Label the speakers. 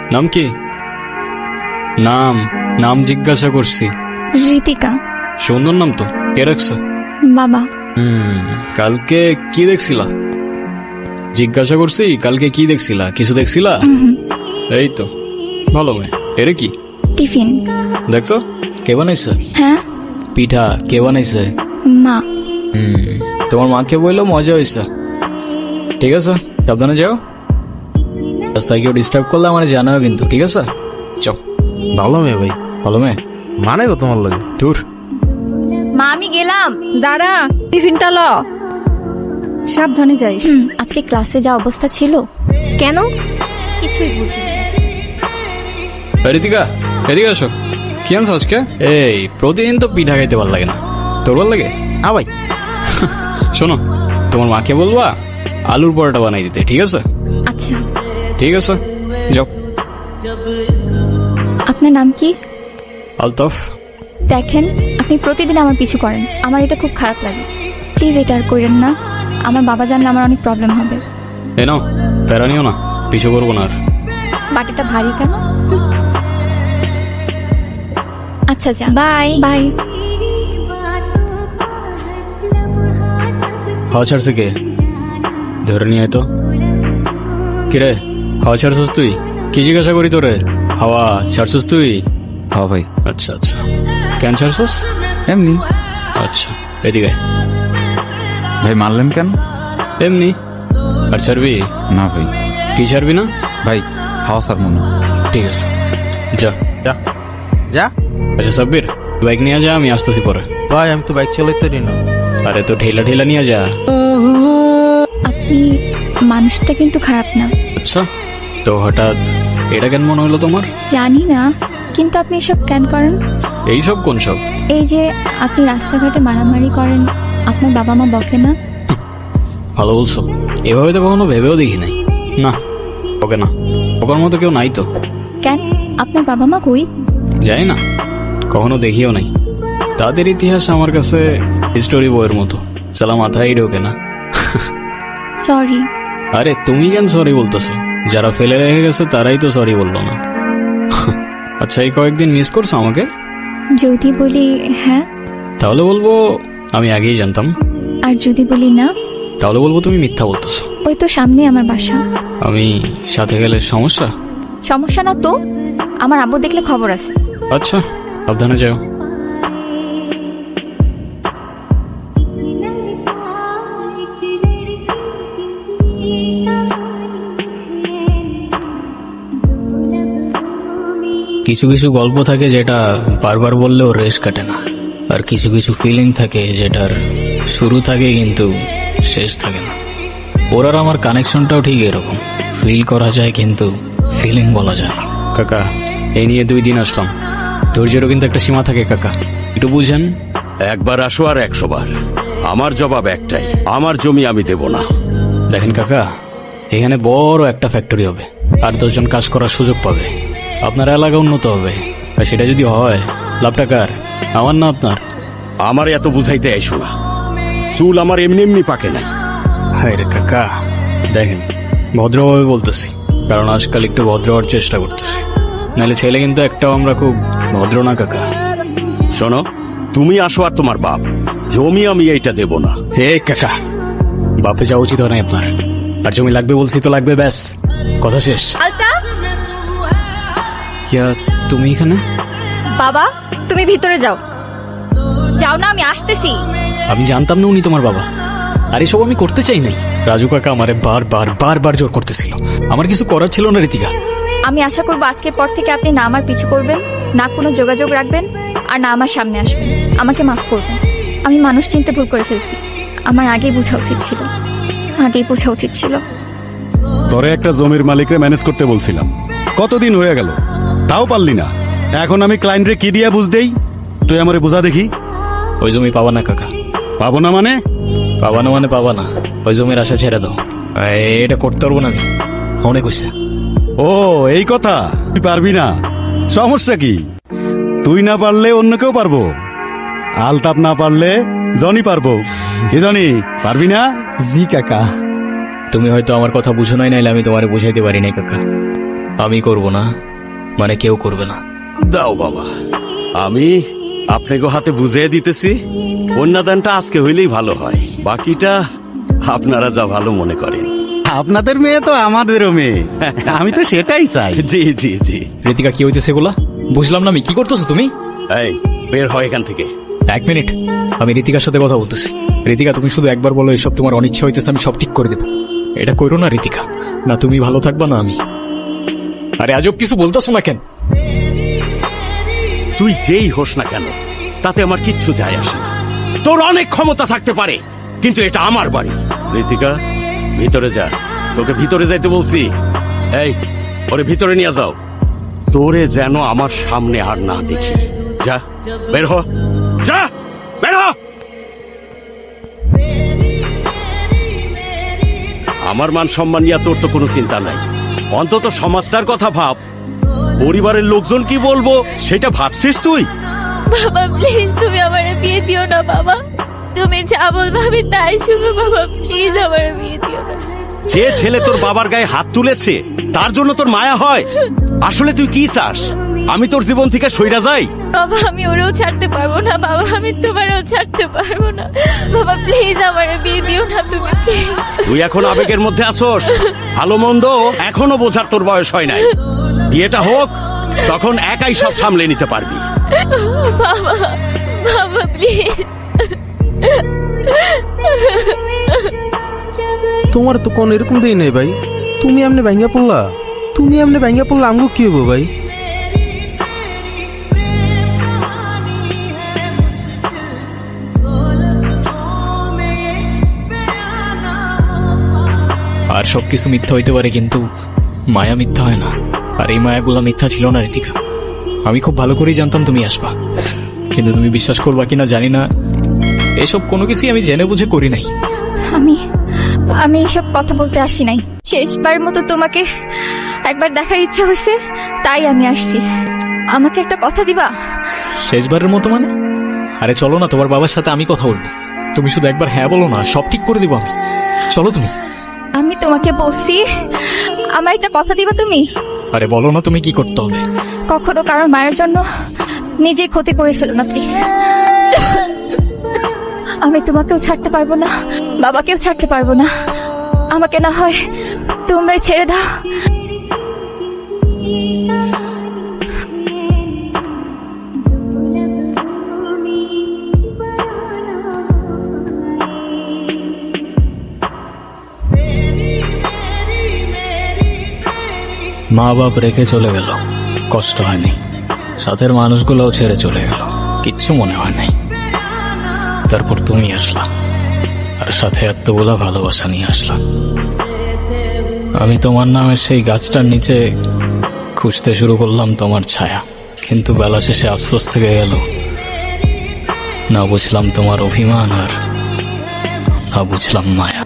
Speaker 1: নাম কি? নাম নাম জিজ্ঞাসা করছি।
Speaker 2: ঋতিকা।
Speaker 1: সুন্দর নাম তো, কে রাখছে?
Speaker 2: বাবা।
Speaker 1: কালকে কি দেখছিলা? জিজ্ঞাসা করছি কালকে কি দেখছিলা? কিছু দেখছিলা? এই তো ভালো মেয়ে। এরে কি?
Speaker 2: টিফিন।
Speaker 1: দেখতো কে বানাইছে?
Speaker 2: হ্যাঁ,
Speaker 1: পিঠা কে বানাইছে?
Speaker 2: মা।
Speaker 1: তোমার মাকে বললো মজা হয়েছে। ঠিক আছে, সাবধানে যাও। রাস্তায় কেউ ডিস্টার্ব করলে আমার জানাও কিন্তু, ঠিক আছে? চল।
Speaker 3: ভালো মেয়ে ভাই,
Speaker 1: ভালো মেয়ে
Speaker 3: মানে গো তোমার লাগে।
Speaker 1: দূর।
Speaker 2: মা আমি গেলাম।
Speaker 4: দাঁড়া, টিফিনটা ল। সাবধানে যাইস।
Speaker 2: আজকে ক্লাসে যা অবস্থা ছিল। কেন? কিছুই বুঝিনি।
Speaker 1: ঋতিকা এদিকে আসো। কি আনছো আজকে? এই প্রতিদিন তো পিঠা খাইতে ভালো লাগে না, তোর ভালো লাগে?
Speaker 3: হ্যাঁ ভাই।
Speaker 1: শোনো, তোমার মাকে বলবা আলুর পরোটা বানাই দিতে, ঠিক আছে?
Speaker 2: আচ্ছা।
Speaker 1: ঠিক আছে, যাও।
Speaker 2: আপনার নাম কি?
Speaker 1: আলতাফ।
Speaker 2: দেখেন, আপনি প্রতিদিন আমার পিছু করেন, আমার এটা খুব খারাপ লাগে। প্লিজ এটা আর করেন না, আমার বাবা জানলে আমার অনেক প্রবলেম হবে।
Speaker 1: এ নাও, প্যারা নিও না, পিছু করবো না আর।
Speaker 2: বাটিটা ভারী কেন? আচ্ছা যা, বাই বাই।
Speaker 1: হাওয়া ছাড়ছে কে? ধরে নিয়ে আয় তো। কিরে, হাওয়া ছাড়ছিস তুই? কি জিজ্ঞাসা করি তোরে? হাওয়া ছাড়ছিস তুই?
Speaker 3: হ্যাঁ ভাই।
Speaker 1: আচ্ছা আচ্ছা, কেন ছাড়ছিস?
Speaker 3: এমনি।
Speaker 1: আচ্ছা এদিকে আয়।
Speaker 3: ভাই মারলেন কেন?
Speaker 1: এমনি। আর ছাড়বি?
Speaker 3: না ভাই।
Speaker 1: কি ছাড়বি না?
Speaker 3: ভাই হাওয়া স্যার মনে।
Speaker 1: ঠিক আছে, যা
Speaker 3: যা যা।
Speaker 1: আচ্ছা সাব্বির, বাইক নিয়ে যা, আমি আসতেছি পরে।
Speaker 3: ভাই আমি তো বাইক চালাইতে পারি না।
Speaker 1: আরে তো ঠেলা ঠেলা নিয়ে যা।
Speaker 2: আপনি মানুষটা কিন্তু খারাপ না।
Speaker 1: আচ্ছা, তো হঠাৎ এটা কেন মনে হলো তোমার?
Speaker 2: জানি না, কিন্তু আপনি এসব কেন করেন?
Speaker 1: এইসব কোন সব?
Speaker 2: এই যে আপনি রাস্তাঘাটে মারামারি করেন, আপনার বাবা মা বকে না?
Speaker 1: ভালো বলছো, এভাবে তো কখনো ভেবেও দেখি নাই। না, ওকে না, ওকার মতো কেউ নাই তো।
Speaker 2: কেন? আপনার বাবা মা কই?
Speaker 1: যাই না, কখনো দেখিও নাই। তাদের ইতিহাস আমার কাছে হিস্টোরি বইয়ের মতো, সালা মাথায় ঢোকে না।
Speaker 2: সরি।
Speaker 1: আরে তুমি কেন সরি বলতেছো? যারা ফেলে রেখে গেছে তারাই তো সরি বললো না। আচ্ছা, এই কয়েকদিন মিস করছো আমাকে?
Speaker 2: যদি বলি হ্যাঁ,
Speaker 1: তাহলে বলবো আমি আগেই জানতাম।
Speaker 2: আর যদি বলি না,
Speaker 1: তাহলে বলবো তুমি মিথ্যা বলতেছো।
Speaker 2: ওই তো সামনে আমার বাসা।
Speaker 1: আমি সাথে গেলে সমস্যা?
Speaker 2: সমস্যা না তো, আমার আব্বু দেখলে খবর আছে।
Speaker 1: আচ্ছা, সাবধানে যাও। কিছু কিছু গল্প থাকে যেটা বারবার বললেও রেশ কাটে না, আর কিছু কিছু ফিলিং থাকে যেটার শুরু থাকে কিন্তু শেষ থাকে না। ওর আর আমার কানেকশনটাও ঠিক এরকম, ফিল করা যায় কিন্তু ফিলিং বলা যায় না। কাকা, এই নিয়ে 2 দিন আসলাম, ধৈর্যেরও কিন্তু একটা সীমা থাকে কাকা, একটু বুঝেন।
Speaker 5: একবার আসো আর 100 বার। আমার জবাব একটাই, আমার জমি আমি দেব না।
Speaker 1: দেখেন কাকা, এখানে বড় একটা ফ্যাক্টরি হবে, আর 10 জন কাজ করার সুযোগ পাবে, আপনার এলাকা উন্নত হবে। আর সেটা যদি হয়, লাভটা কার? আমার না আপনার?
Speaker 5: আমার এত বুঝাইতে আইসো না, চুল আমার এমনি এমনি পাকে নাই।
Speaker 1: হায় রে কাকা, দেখেন ভদ্রভাবে বলতেছি, কারণ আজকাল একটু ভদ্র হওয়ার চেষ্টা করতেছি, নাহলে ছেলে কিন্তু একটাও আমরা খুব ভদ্র না কাকা।
Speaker 5: শোনো, তুমি আসো আর তোমার বাপ, জমি আমি এইটা দেব না।
Speaker 1: হে কাকা, বাপে যাওয়া উচিত হয় না আপনার, আর জমি লাগবে বলছি তো লাগবে, ব্যাস কথা শেষ।
Speaker 2: আলতাফ!
Speaker 1: ইয়া, তুমি এখানে?
Speaker 2: বাবা, তুমি ভিতরে যাও। যাও না, আমি আসতেছি।
Speaker 1: আমি জানতাম না উনি তোমার বাবা, আর এসব আমি করতে চাই নাই। রাজু কাকা আমারে বারবার জোর করতেছিল, আমার কিছু করার ছিল না ঋতিকা।
Speaker 2: আমি আশা করবো আজকের পর থেকে আপনি না আমার পিছু করবেন, না কোনো যোগাযোগ রাখবেন, আর না আমার সামনে আসবেন। আমাকে মাফ করবেন, আমি মানুষ চিনতে ভুল করে ফেলছি। আমার আগেই বোঝা উচিত ছিল, আগেই বোঝা উচিত ছিল।
Speaker 6: তোরে একটা জমির মালিকরে ম্যানেজ করতে বলছিলাম, কতদিন হয়ে গেল, তাও পারলি না। এখন আমি ক্লায়েন্টরে কি দিয়া বুঝ দেই? তুই আমারে বুঝা দেখি।
Speaker 1: ওই জমি পাবা না কাকা।
Speaker 6: পাবো না মানে?
Speaker 1: পাবা না মানে পাবা না, ওই জমির আশা ছেড়ে দাও। এটা করতে পারবো না আমি, অনেক হয়েছে।
Speaker 6: ও এই কথা, তুই পারবি না? সমস্যা কি? তুই না পারলে অন্য কেউ পারবো। আলতাপ না পারলে জনি পারবো। কি জনি, পারবি না?
Speaker 1: জি কাকা। তুমি হয়তো আমার কথা বুঝো নাই, নাইলে আমি তোমারে বুঝাইতে পারি নাই কাকা। আমি করব না, মানে কেউ করবে না।
Speaker 5: দাও বাবা, আমি আপনাকে হাতে বুঝিয়ে দিতেছি। কন্যাদানটা আজকে হইলেই ভালো হয়, বাকিটা আপনারা যা ভালো মনে করেন।
Speaker 6: আপনাদের মেয়ে তো আমাদেরও মেয়ে, আমি তো সেটাই চাই।
Speaker 5: জি জি জি।
Speaker 1: ঋতিকা, কি হইতেছে এগুলা? বুঝলাম না আমি, কি করতেছো তুমি?
Speaker 5: এই বের হয় এখান থেকে।
Speaker 1: 1 মিনিট, আমি ঋতিকার সাথে কথা বলতেছি। ঋতিকা, তুমি শুধু একবার বলো এসব তোমার অনিচ্ছা হইতেছে, আমি সব ঠিক করে দেবো। এটা করো না ঋতিকা, না তুমি ভালো থাকবা না আমি। আরে আজব কিছু বলতেছো না কেন?
Speaker 5: তুই যেই হোস না কেন তাতে আমার কিচ্ছু যায় আসে না। তোর অনেক ক্ষমতা থাকতে পারে, কিন্তু এটা আমার বাড়ি। ঋতিকা, ভিতরে যা, তোকে ভিতরে যাইতে বলছি। এই, ওরে ভিতরে নিয়ে যাও। তোরে যেন আমার সামনে আর না দেখি। যা, বের হ, যা, বের হ। আমার মান সম্মান নিয়ে তোর তো কোনো চিন্তা নাই, অন্তত সমাজটার কথা ভাব। পরিবারের লোকজন কি বলবো সেটা ভাবছিস তুই?
Speaker 2: বাবা প্লিজ তুমি আমারে বিয়ে দিও না বাবা, তুমি যা বলবে আমি তাই শুনো বাবা, প্লিজ আমারে বিয়ে দিও না।
Speaker 5: যে ছেলে তোর বাবার গায়ে হাত তুলেছে তার জন্য তোর মায়া হয়? আসলে তুই কি চাস, আমি তোর জীবন থেকে সইরা যাই?
Speaker 2: বাবা আমি ওরেও ছাড়তে পারবো না বাবা, আমি তোমারও ছাড়তে পারবো না বাবা, প্লিজ আমারে বিয়ে দিও না তুমি, প্লিজ।
Speaker 5: তুই এখন আবেগের মধ্যে আসোস, ভালো মন্দ এখনো বোঝার তোর বয়স হয় নাই। বিয়েটা হোক, তখন একাই সব সামলে নিতে পারবি।
Speaker 2: বাবা বাবা প্লিজ।
Speaker 3: তোমার তো কোন এরকম দেই নাই ভাই, তুমি এমনি ভাঙ্গা পড়লা। তুমি এমনি ভাঙ্গা পড়লা, আমগো কি হবো ভাই?
Speaker 1: আর সবকিছু মিথ্যা হইতে পারে, কিন্তু মায়া মিথ্যা হয় না। আর এই মায়াগুলা মিথ্যা ছিল না ঋতিকা। আমি খুব ভালো করেই জানতাম তুমি আসবা, কিন্তু তুমি বিশ্বাস করবা কিনা জানি না, এসব কোনো কিছুই আমি জেনে বুঝে করি নাই।
Speaker 2: আমি এসব কথা বলতে আসি নাই, শেষবার মতো তোমাকে একবার দেখার ইচ্ছা হয়েছে তাই আমি আসছি। আমাকে একটা কথা দিবা?
Speaker 1: শেষবারের মতো মানে? আরে চলো না, তোমার বাবার সাথে আমি কথা বলবো। তুমি শুধু একবার হ্যাঁ বলো না, সব ঠিক করে দিব আমি। চলো তুমি।
Speaker 2: আমি তোমাকে বলছি আমার একটা কথা দিবা তুমি?
Speaker 1: আরে বলো না তুমি কি করতে হবে।
Speaker 2: কখনো কারোর মায়ের জন্য নিজেই ক্ষতি করে ফেলো না প্লিজ। আমি তোমাকেও ছাড়তে পারবো না, বাবাকেও ছাড়তে পারবো না। আমাকে না হয় তোমরাই ছেড়ে দাও।
Speaker 1: মা বাপ রেখে চলে গেল, কষ্ট হয়নি। সাথের মানুষগুলোও ছেড়ে চলে গেল, কিচ্ছু মনে হয় নাই। তারপর তুমি আসলা, আর সাথে এতগুলা ভালোবাসা নিয়ে আসলা। আমি তোমার নামের সেই গাছটার নিচে খুঁজতে শুরু করলাম তোমার ছায়া, কিন্তু বেলা শেষে আফসোস থেকে গেল। না বুঝলাম তোমার অভিমান, আর না বুঝলাম মায়া।